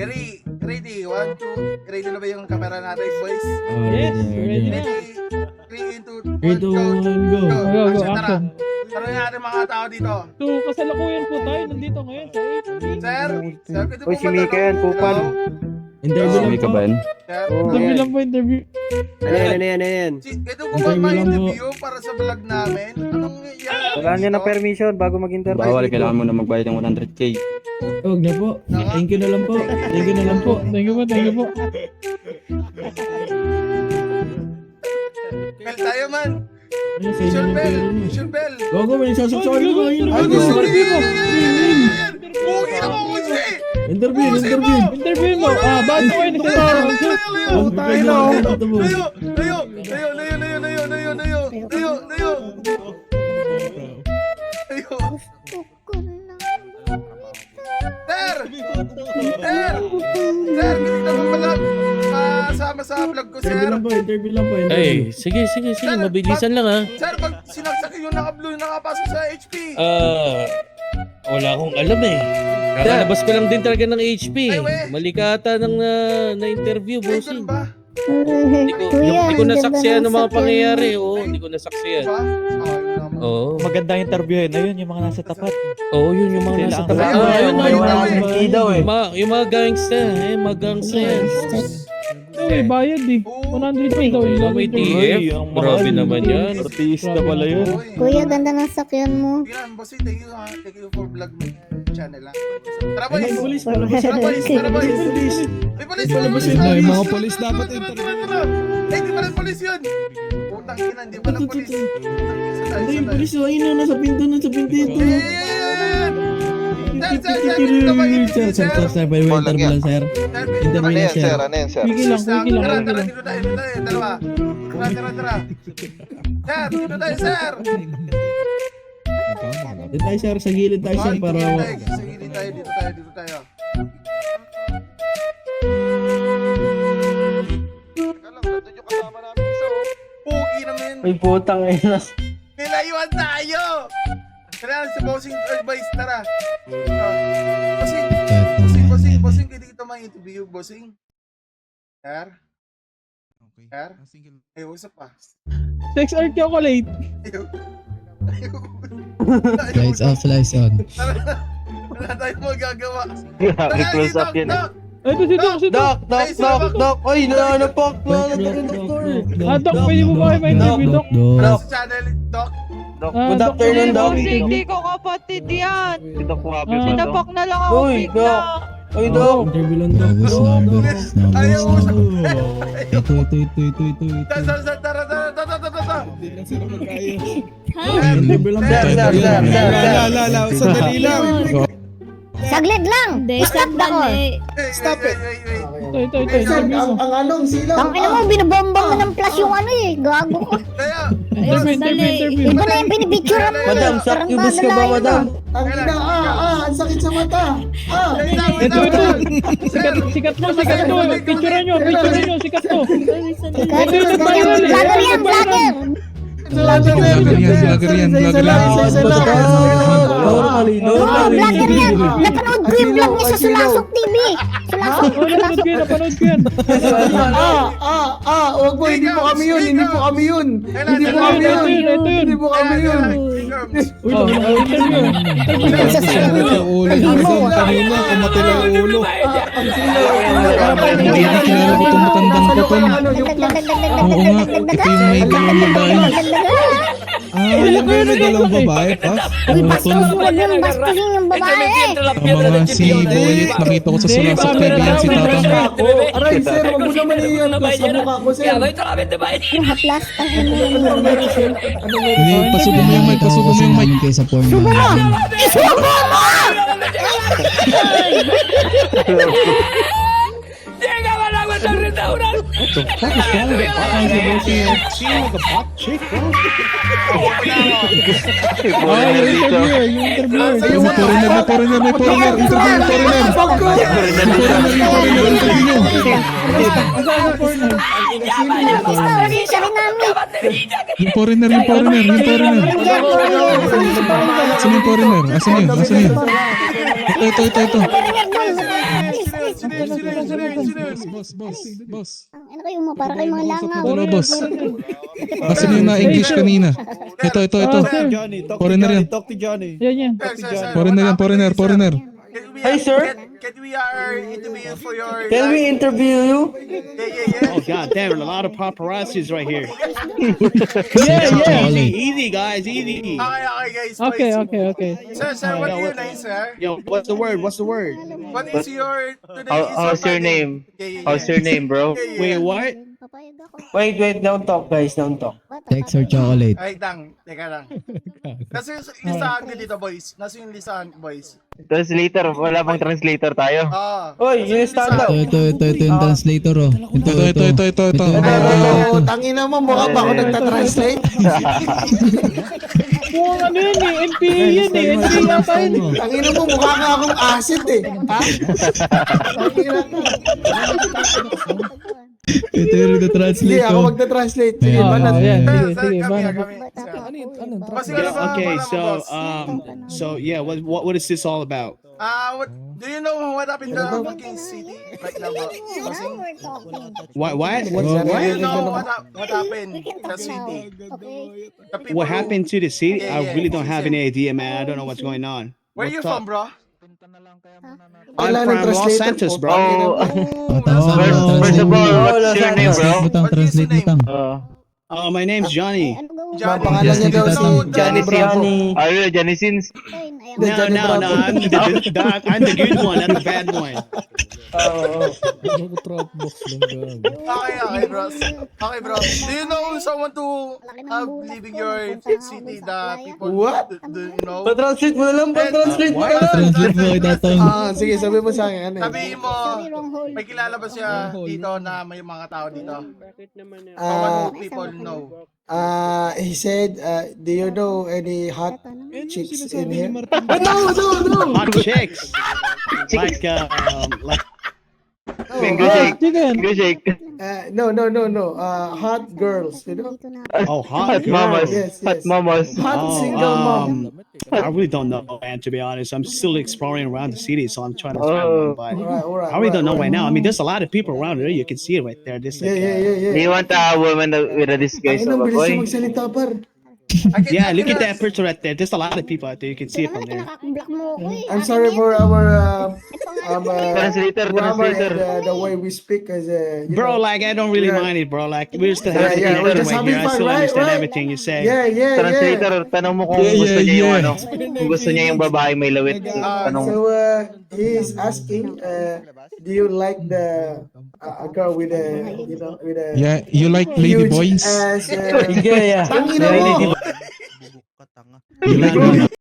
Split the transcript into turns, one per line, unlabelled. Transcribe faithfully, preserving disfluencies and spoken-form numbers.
Ready, ready, one, two, ready na ba yung camera natin, boys?
Yes, ready na.
Ready, three, two,
three, two, one, go.
Go, go,
Action, tara.
action.
Tanongin natin mga tao dito.
So, kasalukuyan po tayo nandito ngayon sa H P.
Sir, sir, pwede
Uy,
po
si
ba
Mika yan,
tanong?
Pupan.
Hello?
Interview lang po.
Sir,
Oo,
Interview
ayan.
lang po, interview.
Ano yan, ano yan, ano yan?
si, ito po ba
Interview lang po.
ma-interview para sa vlog namin? Anong yan?
Wala niya ng permission bago mag-interview.
Bawal, kailangan mo na magbayad ng one hundred K.
Huwag na po. Thank you na lang po. Thank you na lang po.
Thank you po, thank you po.
Bell tayo man.
Ano sa inyo
Mission
ng
bell,
pera mo?
mission bell.
Gogo, may sasaksakin ko ngayon.
Ay,
Go,
gusto
go,
niyo
go.
Pugi na mo, Uzi!
Interview,
Uzi
interview.
mo!
Interview mo. Ah, bago kayo
Layo,
nagsasabi.
layo, layo,
Huwag
layo,
kayo na
layo,
ako tabo.
layo, layo, layo, layo, layo, layo, layo, layo, layo, layo. Layo. Sir! Sir! Sir, gusto na mo pala masama sa vlog ko,
Interview
sir.
lang po, interview lang po. interview.
Ay, sige, sige, sige. Mabilisan lang ha.
Sir, pag sinaksak yung naka-blue yung nakapasok sa H P.
Ah, wala akong alam eh. Kakalabas ko lang din talaga ng H P.
Ay, we.
Malikata ng na, na-interview,
Ay, ganun
bossing.
ba?
Hindi ko,
Kuya,
hindi ko
ang ganda
nasaksiyan
ng
ng mga
sakyan
pangyayari. Oo, hindi ko nasaksiyan.
Ba? Ay, naman.
Oo.
Magandang interview yun. Ayun, yung mga nasa tapat.
Oo, yun yung mga
Sila
nasa
ang-
tapat.
Ay,
Ah,
ay,
yun,
ay,
yun,
ay,
yun.
Hindi daw eh.
Yung mga, yung mga gangster, eh, mga gangster yan.
Ito eh, bayad eh. one hundred K daw yung
Oh, may T
interview.
F.
ang
Grabe
mahal.
naman yan.
Artista pala yun.
Uy.
Kuya, ganda ng sakyan mo.
Yan, bossy, thank you ha. Thank you for vlog mo channel ha. Tara boys!
Ay, police,
Tara boys! Tara boys! May police! May police!
Ay,
May
mga
police dapat interview. Eh, di pala police yun! Putang ina, hindi pala police.
Ay, yung polis, oh, ayun na, nasa pinto, nasa pinto ito.
Eh, yan! Sir, sir, sir, dito ba yung
Sir, sir, sir, sir, may
Walang
interview lang, sir. Interview
Ano
lang,
yan,
sir.
sir? Ano yan, sir?
Quickie lang, quickie lang,
Tara,
quickie
tara,
lang.
dito tayo, dito tayo, dalawa. Tara, tara, tara. Sir, dito tayo, sir!
Dito tayo, sir, sa gilid tayo, sir, para...
Dito tayo, sa gilid tayo, dito tayo, dito tayo.
Teka lang, nandun yung kasama namin isa, oh.
Pugi naman.
Ay, putang ina.
Nilayuan tayo! Tara, sa bossing advice, tara. Ah, bossing, bossing, bossing, bossing, pwede kita ma-interview, bossing. Sir? Sir? Eh, usap pa.
Sex art chocolate.
Ayaw. Ayaw.
Lights off, lights on.
Tara, wala tayong magagawa.
Grabe, close up yun.
Doc,
Ay, ito si Doc, si Doc.
Doc, doc, doc, doc. Oy, nananapak.
Ah, Doc, pwede mo ba kayo ma-interview, Doc?
Doc, sa channel, Doc.
Doc,
Ah,
good
Doc,
afternoon,
pwede
doc.
mo interview?
Hindi ko kapatid yan.
Si Doc Wabi
Ah.
ba, Doc?
Sinapak na lang ako
Uy,
bigla.
Oy,
Oh.
Doc.
Interview lang, Doc.
Numbers, Ayaw mo sa...
Ito, ito, ito, ito, ito, ito.
Tara, tara, tara, tara, tara, tara, tara.
Interview lang,
Sir, sir, sir, sir, sir.
sandali lang.
Saglit lang! Stop na ko!
Stop it!
Ito, ito, ito, interview mo.
Tang ina mo, binabombang mo ng plus yung ano eh. Gago ko.
Kaya,
Interview, interview, interview.
Iba na yung pinipicture mo.
Madam, succubus ka ba, madam?
Ang ah, ah, ang sakit sa mata. Ah,
Ito, ito. Sikat, sikat mo, sikat to. Picturean nyo, picturean nyo, sikat to.
Sikat, sikat. Vlogger yan, vlogger!
Vlogger
yan, vlogger yan, vlogger yan.
Oo, vlogger yan! Napanood ko yung vlog niya sa Sulasok T V! Sulasok!
Oh, napanood ko yan, napanood ko yan.
Ah, ah, ah, wag mo, hindi po kami yun, hindi po kami yun. Hindi po
Ito yun, ito yun, ito yun.
Hindi po kami yun.
Oh, oh, interview.
Ulo ko kanina, kumatay lang ulo. Hindi na kilala ko itong matandang ko to. Oo nga, ito yung may dalawang babae. Ah, yung may dalawang babae pa.
Uy,
Ano to?
bastos mo yun! Bastusin yung babae!
Ang mga si Boyet, nakita ko sa Sulasok T V yan, si Tatang.
Aray, sir, wag mo naman iyan ko sa mukha ko, sir.
Yung haplas, ang ina mo yung
Hindi, pasubo mo yung mic, pasubo mo yung mic.
Subo mo! Isubo mo!
Ah, yung interviewer, yung interviewer.
Yung foreigner na foreigner, may foreigner, interview yung foreigner. Yung foreigner, yung foreigner, interview nyo.
Story siya rin namin!
Yung foreigner, yung foreigner, yung foreigner. Asan yung foreigner? Asan yun? Asan yun? Ito, ito, ito, ito.
Sino yun? Sino yun? Sino yun? Sino yun?
Boss, boss, boss.
Ang ano kayo mo, para kayo mga langaw.
Wala, boss. Kasi na yung na-English kanina. Ito, ito, ito.
Ah, sir.
Johnny, talk
Foreigner yan.
Talk to Johnny.
Yan, yan.
Sir, sir, sir,
Foreigner yan,
what
foreigner,
happened,
foreigner.
Can we,
Hey, sir.
Can, can we are interview for your...
Can we interview you?
Yeah, yeah, yeah.
Oh god damn, a lot of paparazzis right here.
Yeah, yeah.
Easy, easy guys, easy.
Okay, okay, guys.
Okay,
please.
okay, okay.
Sir, sir, what is your name, sir?
Yo, what's the word? What's the word?
What is your... Today
How,
is
how's your
birthday.
name?
Yeah, yeah,
How's
yeah.
your name, bro?
Yeah, yeah,
Wait,
yeah.
what?
Papayag ako.
Wait, wait, don't talk guys, don't talk.
Text or chocolate?
Ay, tang. Teka lang. Nasa yung listahan ko dito, boys. Nasa yung listahan, boys.
Translator, wala bang translator tayo?
Ah.
Oy, yung stand up.
Ito, ito, ito, ito yung translator, oh. Ito, ito, ito, ito, ito.
Ito,
ito.
tangina mo, mukha ba ako nagtatranslate?
Mukhang ano yan eh, N P A yan eh, N P A yata yun eh.
Tangina mo, mukha ka akong acid eh. Ha? Tangina ka.
Ito yung
Sige,
translate,
ako
oh.
magta-translate. Sige,
Ah,
banat.
yan,
Sir,
sige,
sir,
sige,
kami,
bana.
kami. Kasi ano ba,
Okay,
wala mo,
so
boss?
um, so yeah, what what what is this all about?
Ah, what, do you know what happened to fucking city right now, bro?
Now
Bossing?
we're talking.
What what
What's
Oh.
that?
Do you know what, hap- what happened
We can
in the
talk now.
city?
Okay?
The people
what
who-
happened to the city?
Yeah,
I
yeah,
really don't have
yeah.
any idea, man. I don't know what's going on.
Where
What's
you
up?
from, bro?
I'm
Kailangan
from
ng
Los
translator
Santos,
po.
bro.
Oh,
Tawag
first,
mo,
first of all, what's your name, bro?
Butang,
What is your
translate
name?
butang.
Uh,
Uh, my name's Johnny.
Ano gawin?
Johnny.
Ang pangalan niya daw si
Johnny
Johnny Bravo.
are you a Johnny Sins?
Ayun, ayaw.
The
No,
Johnny
no,
Bravo.
no. I'm the, the I'm the good one, not the bad one.
Oo.
Okay, okay, bro. Okay, bro. Do you know someone to have leaving your city, the people,
What?
do, do you know?
Pa-translate mo na lang, pa-translate mo na lang.
Translate mo kay Tatang.
Ah, sige, sabi mo sa akin. Ano eh.
Sabihin mo,
Sorry, wrong hole.
may kilala ba siya dito na may mga tao dito? Someone
Ah,
who people know.
ah, he said, uh, do you know any hot chicks in here?
Hot chicks, like um, like
Mango
Ah,
shake.
Chicken.
Mango shake.
Uh, no, no, no, no. Uh, hot girls, you know?
Dito na.
oh, hot
Hot mamas.
Yes,
Hot
yes.
mamas.
Hot
Oh,
single mom.
um, I really don't know, man. To be honest, I'm still exploring around the city, so I'm trying to find
Oh.
one. But
Alright, alright.
I really don't know
alright.
right now. I mean, there's a lot of people around there. You can see it right there. This
Yeah,
like,
yeah,
uh,
yeah, yeah.
Do you want a woman with a disguise
Ang
of a
bilis niya
boy?
magsalita, par.
I can-
yeah,
I
look
can
at that
ask-
picture right there. There's a lot of people out there. You can see it from there.
Nakaka-block mo ako eh.
I'm
Akin
sorry
yan.
for our uh,
Ito nga,
um, uh,
Translator,
grammar
translator.
and uh, the way we speak as uh, you
Bro,
know.
like I don't really
Yeah.
mind it, bro. Like we're still
Yeah,
having
yeah, we're just
anyway
having
here. I
fun,
still
right,
understand
right?
everything you say.
Yeah, yeah, yeah.
Translator, tanong mo kung
Yeah,
gusto
yeah,
niya yung
yeah.
ano. Kung gusto niya yung babae may lawit.
Ah,
Tanong.
So uh, he's asking, uh, do you like the uh, a girl with a you know with a
Yeah, you like lady
huge
boys?
ass? Uh,
Yeah, yeah.
Tangina mo.
You like